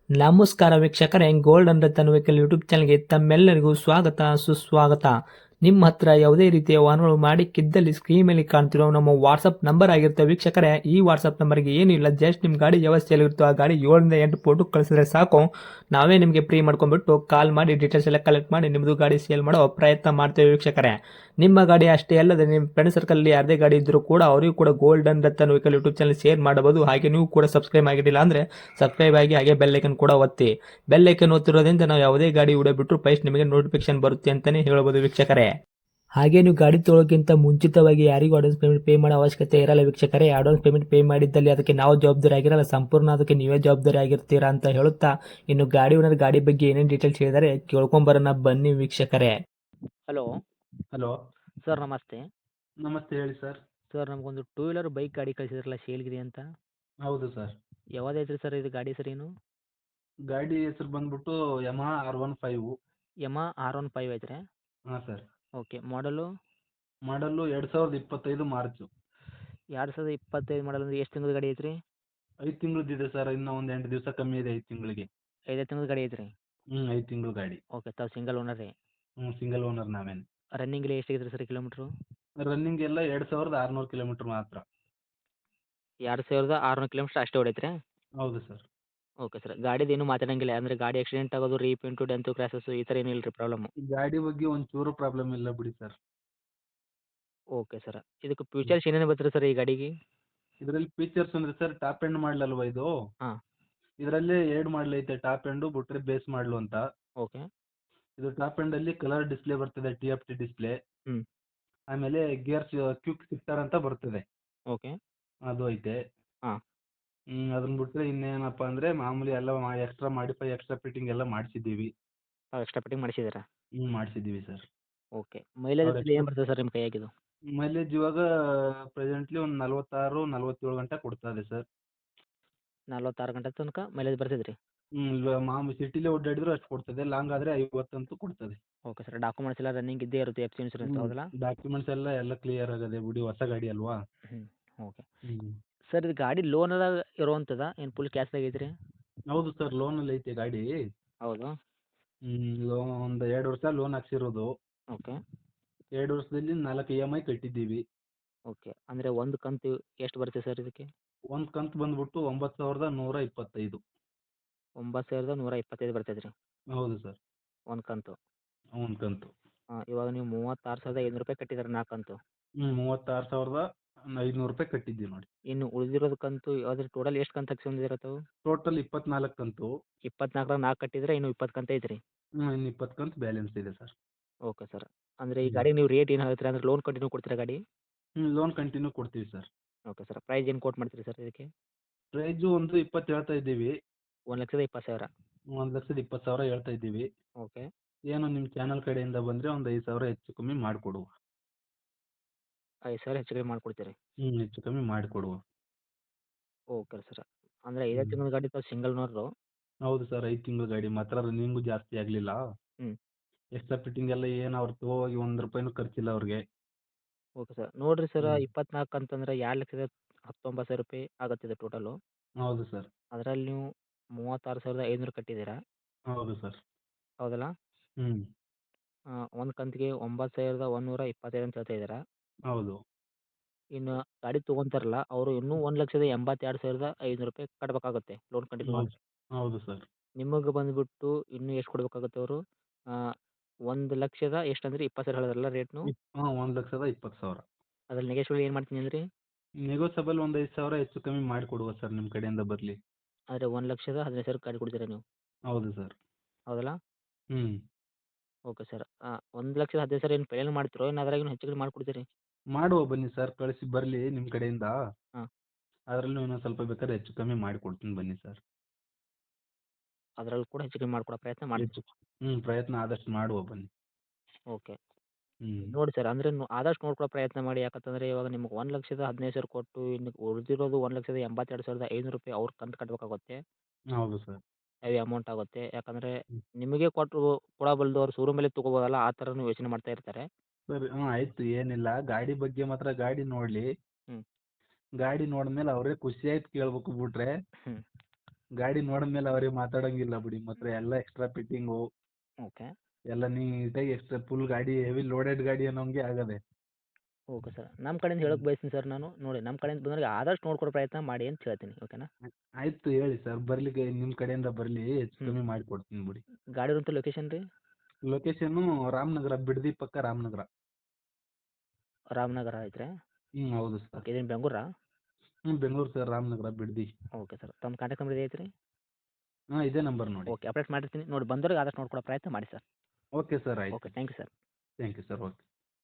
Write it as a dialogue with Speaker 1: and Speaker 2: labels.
Speaker 1: ನಮಸ್ಕಾರ ವೀಕ್ಷಕರೇ, golden Ratan vehicle YouTube ಚಾನಲ್ಗೆ ತಮ್ಮೆಲ್ಲರಿಗೂ ಸ್ವಾಗತ ಸುಸ್ವಾಗತ. ನಿಮ್ಮ ಹತ್ರ ಯಾವುದೇ ರೀತಿಯ ವಾಹನಗಳು ಮಾಡಿಕ್ಕಿದ್ದಲ್ಲಿ ಸ್ಕ್ರೀನ್ ಮೇಲೆ ಕಾಣ್ತಿರೋ ನಮ್ಮ ವಾಟ್ಸಪ್ ನಂಬರ್ ಆಗಿರುತ್ತೆ ವೀಕ್ಷಕರೇ. ಈ ವಾಟ್ಸಪ್ ನಂಬರ್ಗೆ ಏನಿಲ್ಲ, ಜಸ್ಟ್ ನಿಮ್ಮ ಗಾಡಿ ವ್ಯವಸ್ಥೆಯಲ್ಲಿರುತ್ತೋ ಆ ಗಾಡಿ 7 ರಿಂದ 8 ಫೋಟೋ ಕಳಿಸಿದ್ರೆ ಸಾಕು, ನಾವೇ ನಿಮಗೆ ಫ್ರೀ ಮಾಡ್ಕೊಂಡ್ಬಿಟ್ಟು ಕಾಲ್ ಮಾಡಿ ಡೀಟೇಲ್ಸ್ ಎಲ್ಲ ಕಲೆಕ್ಟ್ ಮಾಡಿ ನಿಮ್ಮದು ಗಾಡಿ ಸೇಲ್ ಮಾಡೋ ಪ್ರಯತ್ನ ಮಾಡ್ತೇವೆ ವೀಕ್ಷಕರೇ. ನಿಮ್ಮ ಗಾಡಿ ಅಷ್ಟೇ ಅಲ್ಲದೆ ನಿಮ್ಮ ಫ್ರೆಂಡ್ ಸರ್ಕಲ್ ಯಾರದೇ ಗಾಡಿ ಇದ್ದರೂ ಕೂಡ ಅವರಿಗೂ ಕೂಡ golden Ratan vehicle YouTube channel share ಮಾಡಬಹುದು. ಹಾಗೆ ನೀವು ಕೂಡ ಸಬ್ಸ್ಕ್ರೈಬ್ ಆಗಿರಲಿಲ್ಲ ಅಂದರೆ ಸಬ್ಸ್ಕ್ರೈಬ್ ಆಗಿ ಹಾಗೆ ಬೆಲ್ ಐಕನ್ ಕೂಡ ಒತ್ತಿ. ಬೆಲ್ ಐಕನ್ ಒತ್ತಿರೋದ್ರಿಂದ ನಾವು ಯಾವುದೇ ಗಾಡಿ ವಿಡಿಯೋ ಬಿಟ್ಟರು ಫಸ್ಟ್ ನಿಮಗೆ ನೋಟಿಫಿಕೇಶನ್ ಬರುತ್ತೆ ಅಂತಾನೆ ಹೇಳ್ಬೋದು ವೀಕ್ಷಕರೇ. ಹಾಗೆ ನೀವು ಗಾಡಿ ತೊಳೋಕ್ಕಿಂತ ಮುಂಚಿತವಾಗಿ ಯಾರಿಗೂ ಅಡ್ವಾನ್ಸ್ ಪೇಮೆಂಟ್ ಪೇ ಮಾಡೋ ಅವಶ್ಯಕತೆ ಇರಲ್ಲ ವೀಕ್ಷಕರೇ. ಅಡ್ವಾನ್ಸ್ ಪೇಮೆಂಟ್ ಪೇ ಮಾಡಿದ್ದಲ್ಲಿ ಅದಕ್ಕೆ ನಾವು ಜವಾಬ್ದಾರಿ ಆಗಿರಲ್ಲ, ಸಂಪೂರ್ಣ ಅದಕ್ಕೆ ನೀವೇ ಜವಾಬ್ದಾರಿ ಆಗಿರ್ತೀರಾ ಅಂತ ಹೇಳುತ್ತಾ, ಇನ್ನು ಗಾಡಿ ಓನರ್ ಗಾಡಿ ಬಗ್ಗೆ ಏನೇನು ಡೀಟೇಲ್ಸ್ ಹೇಳಿದರೆ ಕೇಳ್ಕೊಂಬರೋಣ ಬನ್ನಿ ವೀಕ್ಷಕರೇ. ಹಲೋ
Speaker 2: ಹಲೋ
Speaker 1: ಸರ್, ನಮಸ್ತೆ.
Speaker 2: ನಮಸ್ತೆ, ಹೇಳಿ ಸರ್.
Speaker 1: ಸರ್, ನಮಗೊಂದು ಟೂ ವೀಲರ್ ಬೈಕ್ ಗಾಡಿ ಕಳಿಸಿದ್ರಲ್ಲ ಸೇಲ್ಗಿದೆ ಅಂತ,
Speaker 2: ಹೌದು ಸರ್.
Speaker 1: ಯಾವ್ದೈತ್ರಿ ಸರ್ ಇದು ಗಾಡಿ ಸರ್?
Speaker 2: ಗಾಡಿ ಹೆಸರು ಬಂದ್ಬಿಟ್ಟು ಯಮಹಾ R15.
Speaker 1: R15 ಐತ್ರಿ?
Speaker 2: ಹಾಂ ಸರ್.
Speaker 1: ಓಕೆ. ಮಾಡಲು
Speaker 2: ಮಾಡಲ್ಲು 2025 ಮಾರ್ಚು.
Speaker 1: 2025 ಮಾಡಲ್ ಅಂದ್ರೆ ಎಷ್ಟು ತಿಂಗಳ ಗಾಡಿ ಐತ್ರಿ?
Speaker 2: 5 ತಿಂಗಳದ್ದಿದೆ ಸರ್, ಇನ್ನೂ ಒಂದು 8 ದಿವಸ ಕಮ್ಮಿ ಇದೆ 5 ತಿಂಗಳಿಗೆ.
Speaker 1: 5 ತಿಂಗಳ ಗಾಡಿ ಐತ್ರಿ?
Speaker 2: 5 ತಿಂಗಳು ಗಾಡಿ.
Speaker 1: ಓಕೆ. ತಾವು ಸಿಂಗಲ್ ಓನರ್ ರೀ?
Speaker 2: ಸಿಂಗಲ್ ಓನರ್ ನಾವೇನು.
Speaker 1: ರನ್ನಿಂಗ್ ಎಲ್ಲ ಎಷ್ಟಾಗಿದ್ರಿ ಸರ್ ಕಿಲೋಮೀಟ್ರು?
Speaker 2: ರನ್ನಿಂಗ್ ಎಲ್ಲ 2600 ಕಿಲೋಮೀಟ್ರ್ ಮಾತ್ರ.
Speaker 1: 2600 ಕಿಲೋಮೀಟ್ರ್ ಅಷ್ಟೇ ಹೊಡೈತ್ರಿ?
Speaker 2: ಹೌದು ಸರ್.
Speaker 1: Okay sir. ಗಾಡಿದು ಏನು ಮಾತಾಡಂಗಿಲ್ಲ ಅಂದರೆ ಗಾಡಿ ಆಕ್ಸಿಡೆಂಟ್ ಆಗೋದು, ರೀಪೇಂಟು, ಡೆಂತು, ಕ್ರ್ಯಾಸಸ್ಸು ಈ ಥರ ಏನೂ ಇಲ್ಲ ರೀ ಪ್ರಾಬ್ಲಮ್ಮು?
Speaker 2: ಗಾಡಿ ಬಗ್ಗೆ ಒಂಚೂರು ಪ್ರಾಬ್ಲಮ್ ಇಲ್ಲ ಬಿಡಿ ಸರ್.
Speaker 1: Okay sir. ಇದಕ್ಕೆ ಫ್ಯೂಚರ್ಸ್ ಏನೇನು ಬರ್ತದೆ ಸರ್ ಈ ಗಾಡಿಗೆ?
Speaker 2: ಇದರಲ್ಲಿ ಫೀಚರ್ಸ್ ಅಂದರೆ ಸರ್, ಟಾಪ್ ಎಂಡ್ ಮಾಡಲ್ ಅಲ್ವಾ ಇದು.
Speaker 1: ಹಾಂ.
Speaker 2: ಇದರಲ್ಲೇ 2 ಮಾಡಲ್ ಐತೆ, ಟಾಪ್ ಎಂಡು ಬಿಟ್ರೆ ಬೇಸ್ ಮಾಡಲು ಅಂತ.
Speaker 1: ಓಕೆ.
Speaker 2: ಇದು ಟಾಪ್ ಎಂಡಲ್ಲಿ ಕಲರ್ ಡಿಸ್ಪ್ಲೇ ಬರ್ತದೆ, TFT ಡಿಸ್ಪ್ಲೇ.
Speaker 1: ಹ್ಞೂ.
Speaker 2: ಆಮೇಲೆ ಗೇರ್ಸ್ ಕ್ವಿಕ್ ಶಿಫ್ಟರ್ ಅಂತ ಬರ್ತದೆ,
Speaker 1: ಓಕೆ.
Speaker 2: ಅದು ಐತೆ.
Speaker 1: ಹಾಂ.
Speaker 2: ಅದನ್ನ ಬಿಟ್ರೆ ಇನ್ನೇನಪ್ಪ ಅಂದರೆ ಮಾಮೂಲಿ ಎಲ್ಲ ಎಕ್ಸ್ಟ್ರಾ ಮಾಡಿಫೈ, ಎಕ್ಸ್ಟ್ರಾ ಫಿಟ್ಟಿಂಗ್ ಎಲ್ಲ ಮಾಡಿಸಿದ್ದೀವಿ.
Speaker 1: ತಾವು ಎಕ್ಸ್ಟ್ರಾ ಫಿಟ್ಟಿಂಗ್ ಮಾಡಿಸಿದ್ದೀರಾ?
Speaker 2: ಮಾಡಿಸಿದ್ದೀವಿ ಸರ್.
Speaker 1: ಓಕೆ. ಮೈಲೇಜ್
Speaker 2: ಅವ್ರು
Speaker 1: ಏನು
Speaker 2: ಎಕ್ಸ್ಟ್ರಾ
Speaker 1: ಬರ್ತದೆ ಸರ್ ನಿಮ್ಮ ಕೈಯಾಗಿದು?
Speaker 2: ಮೈಲೇಜ್ ಇವಾಗ ಪ್ರೆಸೆಂಟ್ಲಿ ಒಂದು 46, 47 ಗಂಟೆ ಕೊಡ್ತಾ ಇದೆ ಸರ್.
Speaker 1: 46 ಗಂಟೆ ತನಕ ಮೈಲೇಜ್ ಬರ್ತದೆ ರೀ?
Speaker 2: ಇವಾಗ ಮಾಮೂಲಿ ಸಿಟಿಲೇ ಓಡಾಡಿದ್ರು ಅಷ್ಟು ಕೊಡ್ತದೆ, ಲಾಂಗ್ ಆದರೆ 50 ಅಂತೂ ಕೊಡ್ತದೆ.
Speaker 1: Okay sir. ಡಾಕ್ಯುಮೆಂಟ್ಸ್ ಎಲ್ಲ ರನ್ನಿಂಗ್ ಇದ್ದೇ ಇರುತ್ತೆ, ಎಫ್ ಸಿ ಇನ್ಶೂರೆನ್ಸ್ ಹೌದಲ್ಲ?
Speaker 2: ಡಾಕ್ಯುಮೆಂಟ್ಸ್ ಎಲ್ಲ ಕ್ಲಿಯರ್ ಆಗದೆ ಬಿಡಿ, ಹೊಸ ಗಾಡಿ ಅಲ್ವಾ.
Speaker 1: ಹ್ಞೂ. ಓಕೆ.
Speaker 2: ಹ್ಞೂ
Speaker 1: ಸರ್, ಇದು ಗಾಡಿ ಲೋನದಾಗ ಇರುವಂಥದ್ದಾ ಏನು ಫುಲ್ ಕ್ಯಾಶ್ದಾಗ ಐತ್ರಿ?
Speaker 2: ಹೌದು ಸರ್, ಲೋನಲ್ಲಿ ಐತೆ ಗಾಡಿ.
Speaker 1: ಹೌದಾ?
Speaker 2: ಲೋನ್ ಒಂದು 2 ವರ್ಷ ಲೋನ್ ಹಾಕ್ಸಿರೋದು.
Speaker 1: ಓಕೆ.
Speaker 2: 2 ವರ್ಷದಲ್ಲಿ 4 EMI ಕಟ್ಟಿದ್ದೀವಿ.
Speaker 1: ಓಕೆ. ಅಂದರೆ ಒಂದು ಕಂತು ಎಷ್ಟು ಬರುತ್ತೆ ಸರ್ ಇದಕ್ಕೆ?
Speaker 2: ಒಂದು ಕಂತು ಬಂದ್ಬಿಟ್ಟು 9125.
Speaker 1: 9125 ಬರ್ತೈತೆ ರೀ
Speaker 2: ಹೌದು ಸರ್.
Speaker 1: ಒಂದು ಕಂತು?
Speaker 2: ಒಂದು ಕಂತು.
Speaker 1: ಇವಾಗ ನೀವು 36,500 ರೂಪಾಯಿ ಕಟ್ಟಿದ್ದಾರೆ 4 ಕಂತು.
Speaker 2: 36,500 ರೂಪಾಯಿ ಕಟ್ಟಿದ್ದೀವಿ ನೋಡಿ.
Speaker 1: ಇನ್ನು ಉಳಿದಿರೋದು ಕಂತು ಅದ್ರ ಟೋಟಲ್ ಎಷ್ಟು ಕಂತು ಹಾಕ್ಸ್ಕೊಂಡಿದ್ದೀರ ತಾವು?
Speaker 2: ಟೋಟಲ್ 24 ಕಂತು.
Speaker 1: 24ರಾಗ 4 ಕಟ್ಟಿದ್ರೆ ಇನ್ನು 20 ಕಂತು ಐತ್ರಿ?
Speaker 2: ಇನ್ನು 20 ಕಂತು ಬ್ಯಾಲೆನ್ಸ್ ಇದೆ ಸರ್.
Speaker 1: Okay sir. ಅಂದರೆ ಈ ಗಾಡಿಗೆ ನೀವು ರೇಟ್ ಏನು ಹೇಳ್ತೀರಾ, ಅಂದರೆ ಲೋನ್ ಕಂಟಿನ್ಯೂ ಕೊಡ್ತೀರಾ ಗಾಡಿ?
Speaker 2: ಲೋನ್ ಕಂಟಿನ್ಯೂ ಕೊಡ್ತೀವಿ ಸರ್.
Speaker 1: Okay sir. ಪ್ರೈಸ್ ಏನು ಕೋಟ್ ಮಾಡ್ತೀರಿ ಸರ್ ಇದಕ್ಕೆ?
Speaker 2: ಪ್ರೈಸು ಒಂದು 20 ಹೇಳ್ತಾ ಇದ್ದೀವಿ.
Speaker 1: 1,20,000?
Speaker 2: 1,20,000 ಹೇಳ್ತಾ ಇದ್ದೀವಿ.
Speaker 1: ಓಕೆ.
Speaker 2: ಏನೋ ನಿಮ್ಮ ಚಾನಲ್ ಕಡೆಯಿಂದ ಬಂದರೆ ಒಂದು 5,000 ಹೆಚ್ಚು ಕಮ್ಮಿ ಮಾಡಿಕೊಡುವ.
Speaker 1: 5,000 ಹೆಚ್ಚು ಕಡಿಮೆ ಮಾಡಿಕೊಡ್ತೀರಿ?
Speaker 2: ಹೆಚ್ಚು ಕಮ್ಮಿ ಮಾಡಿಕೊಡುವ.
Speaker 1: Okay sir. ಅಂದರೆ 5 ತಿಂಗಳ ಗಾಡಿ ತಾವು ಸಿಂಗಲ್ ಓನರು?
Speaker 2: ಹೌದು ಸರ್, 5 ತಿಂಗಳ ಗಾಡಿ ಮಾತ್ರ, ರನ್ನಿಂಗು ಜಾಸ್ತಿ ಆಗಲಿಲ್ಲ.
Speaker 1: ಹ್ಞೂ.
Speaker 2: ಎಕ್ಸ್ಟ್ರಾ ಫಿಟ್ಟಿಂಗ್ ಎಲ್ಲ ಏನು ಅವ್ರು ತಗೋಗಿ ₹1 ಖರ್ಚಿಲ್ಲ ಅವ್ರಿಗೆ.
Speaker 1: Okay sir. ನೋಡಿರಿ ಸರ್,
Speaker 2: ಹ್ಞೂ
Speaker 1: 24 ಅಂತಂದ್ರೆ 2,19,000 ರೂಪಾಯಿ ಆಗುತ್ತಿದೆ ಟೋಟಲು.
Speaker 2: ಹೌದು ಸರ್.
Speaker 1: ಅದರಲ್ಲಿ ನೀವು 36,500 ಕಟ್ಟಿದ್ದೀರಾ?
Speaker 2: ಹೌದು ಸರ್.
Speaker 1: ಹೌದಲ್ಲ?
Speaker 2: ಹ್ಞೂ
Speaker 1: ಒಂದು ಕಂತಿಗೆ 9,125 ಅಂತ ಹೇಳ್ತಾ ಇದ್ದೀರಾ?
Speaker 2: ಹೌದು.
Speaker 1: ಇನ್ನು ಗಾಡಿ ತೊಗೊಂತಾರಲ್ಲ ಅವರು ಇನ್ನೂ 1,82,500 ರೂಪಾಯಿ ಕಟ್ಟಬೇಕಾಗುತ್ತೆ ಲೋನ್ ಕಂಟಿನ್ಯೂ
Speaker 2: ಹೌದು.
Speaker 1: ಆದರೆ.
Speaker 2: ಹೌದು ಸರ್.
Speaker 1: ನಿಮಗೆ ಬಂದುಬಿಟ್ಟು ಇನ್ನೂ ಎಷ್ಟು ಕೊಡಬೇಕಾಗುತ್ತೆ ಅವರು? 1,00,000 ಎಷ್ಟಂದ್ರಿ? 20,000 ಹೇಳಿದ್ರಲ್ಲ ರೇಟ್ನು?
Speaker 2: 1,20,000.
Speaker 1: ಅದ್ರಲ್ಲಿ ನೆಗೋಷಿಯೇಬಲ್ ಏನು ಮಾಡ್ತೀನಿ ಅಂದ್ರಿ?
Speaker 2: ನೆಗೋಸಬಲ್ ಒಂದು 5,000 ಹೆಚ್ಚು ಕಮ್ಮಿ ಮಾಡಿಕೊಡುವ ಸರ್, ನಿಮ್ಮ ಕಡೆಯಿಂದ ಬರಲಿ.
Speaker 1: ಆದರೆ 1,15,000 ಗಾಡಿ ಕೊಡ್ತೀರಾ ನೀವು?
Speaker 2: ಹೌದು ಸರ್.
Speaker 1: ಹೌದಲ್ಲ?
Speaker 2: ಹ್ಞೂ
Speaker 1: ಓಕೆ ಸರ್. 1,15,000 ಏನು ಫೈನಲ್ ಮಾಡ್ತೀರೋ ಏನು ಅದ್ರಾಗಿನೂ ಹೆಚ್ಚು ಕಡಿಮೆ ಮಾಡಿಕೊಡ್ತೀರಿ?
Speaker 2: ಮಾಡುವ ಬನ್ನಿ ಸರ್, ಕಳಿಸಿ ಬರಲಿ ನಿಮ್ಮ ಕಡೆಯಿಂದ.
Speaker 1: ಹಾಂ.
Speaker 2: ಅದರಲ್ಲೂ ಇನ್ನೊಂದು ಸ್ವಲ್ಪ ಬೇಕಾದ್ರೆ ಹೆಚ್ಚು ಕಮ್ಮಿ ಮಾಡಿಕೊಡ್ತೀನಿ ಬನ್ನಿ ಸರ್.
Speaker 1: ಅದರಲ್ಲಿ ಕೂಡ ಹೆಚ್ಚು ಕಮ್ಮಿ ಮಾಡಿಕೊಡೋ ಪ್ರಯತ್ನ ಮಾಡ್ತೀವಿ.
Speaker 2: ಪ್ರಯತ್ನ ಆದಷ್ಟು ಮಾಡುವ ಬನ್ನಿ.
Speaker 1: ಓಕೆ.
Speaker 2: ಹ್ಞೂ
Speaker 1: ನೋಡಿ ಸರ್, ಅಂದರೆ ಆದಷ್ಟು ನೋಡ್ಕೊಳ್ಳೋ ಪ್ರಯತ್ನ ಮಾಡಿ. ಯಾಕಂತಂದರೆ ಇವಾಗ ನಿಮ್ಗೆ 1,15,000 ಕೊಟ್ಟು ಇನ್ನು ಉಳಿದಿರೋದು 1,82,500 ರೂಪಾಯಿ ಅವ್ರು ಕಂತು ಕಟ್ಟಬೇಕಾಗುತ್ತೆ.
Speaker 2: ಹೌದು ಸರ್.
Speaker 1: ಹೆವಿ ಅಮೌಂಟ್ ಆಗುತ್ತೆ. ಯಾಕಂದರೆ
Speaker 2: ಹ್ಞೂ
Speaker 1: ನಿಮಗೆ ಕೊಡಬಲ್ಲದು ಅವ್ರು ಶೋರೂಮಲ್ಲೇ ತೊಗೋಬೋದಲ್ಲ, ಆ ಥರನೂ ಯೋಚನೆ ಮಾಡ್ತಾ ಇರ್ತಾರೆ.
Speaker 2: ಸರಿ, ಆಯಿತು, ಏನಿಲ್ಲ. ಗಾಡಿ ಬಗ್ಗೆ ಮಾತ್ರ ಗಾಡಿ ನೋಡಲಿ.
Speaker 1: ಹ್ಞೂ.
Speaker 2: ಗಾಡಿ ನೋಡಿದ್ಮೇಲೆ ಅವರೇ ಖುಷಿ ಆಯ್ತು ಕೇಳ್ಬೇಕು ಬಿಟ್ರೆ.
Speaker 1: ಹ್ಞೂ.
Speaker 2: ಗಾಡಿ ನೋಡಿದ್ಮೇಲೆ ಅವ್ರಿಗೆ ಮಾತಾಡೋಂಗಿಲ್ಲ ಬಿಡಿ ಮಾತ್ರ ಎಲ್ಲ ಎಕ್ಸ್ಟ್ರಾ ಫಿಟ್ಟಿಂಗು
Speaker 3: ಓಕೆ
Speaker 2: ಎಲ್ಲ ನೀಟಾಗಿ ಎಕ್ಸ್ಟ್ರಾ ಫುಲ್ ಗಾಡಿ ಹೆವಿ ಲೋಡೆಡ್ ಗಾಡಿ ಅನ್ನೋಂಗೆ ಆಗದೆ.
Speaker 3: ಓಕೆ ಸರ್ ನಮ್ಮ ಕಡೆಯಿಂದ ಹೇಳೋಕೆ ಬಯಸ್ತೀನಿ ಸರ್ ನಾನು ನೋಡಿ ನಮ್ಮ ಕಡೆಯಿಂದ ಬಂದವರಿಗೆ ಆದಷ್ಟು ನೋಡ್ಕೊಡೋ ಪ್ರಯತ್ನ ಮಾಡಿ ಅಂತ ಹೇಳ್ತೀನಿ ಓಕೆನಾ.
Speaker 2: ಆಯ್ತು ಹೇಳಿ ಸರ್ ಬರ್ಲಿಕ್ಕೆ ನಿಮ್ಮ ಕಡೆಯಿಂದ ಬರಲಿ ಹೆಚ್ಚು ಕಮ್ಮಿ ಮಾಡಿಕೊಡ್ತೀನಿ ಬಿಡಿ.
Speaker 3: ಗಾಡಿ ಇರುವಂಥ ಲೊಕೇಶನ್ ರೀ
Speaker 2: ಲೊಕೇಶನ್ನು ರಾಮನಗರ ಬಿಡದಿ ಪಕ್ಕ ರಾಮನಗರ.
Speaker 3: ರಾಮನಗರ ಐತ್ರಿ.
Speaker 2: ಹೌದು ಸರ್.
Speaker 3: ಓಕೆ ಇದೇನು ಬೆಂಗಳೂರಾ?
Speaker 2: Bengaluru sir Ramanagara Bidadi.
Speaker 3: Okay sir ತಮ್ಮ ಕಾಂಟ್ಯಾಕ್ಟ್ ನಂಬರ್ ಐತ್ರಿ.
Speaker 2: ಇದೇ ನಂಬರ್ ನೋಡಿ.
Speaker 3: ಓಕೆ ಅಪ್ಡೇಟ್ ಮಾಡಿರ್ತೀನಿ ನೋಡಿ ಬಂದವ್ರಿಗೆ ಆದಷ್ಟು ನೋಡ್ಕೊಡೋ ಪ್ರಯತ್ನ ಮಾಡಿ ಸರ್.
Speaker 2: ಓಕೆ ಸರ್ ಆಯ್ತು.
Speaker 3: Okay thank you sir.
Speaker 2: Thank you sir okay.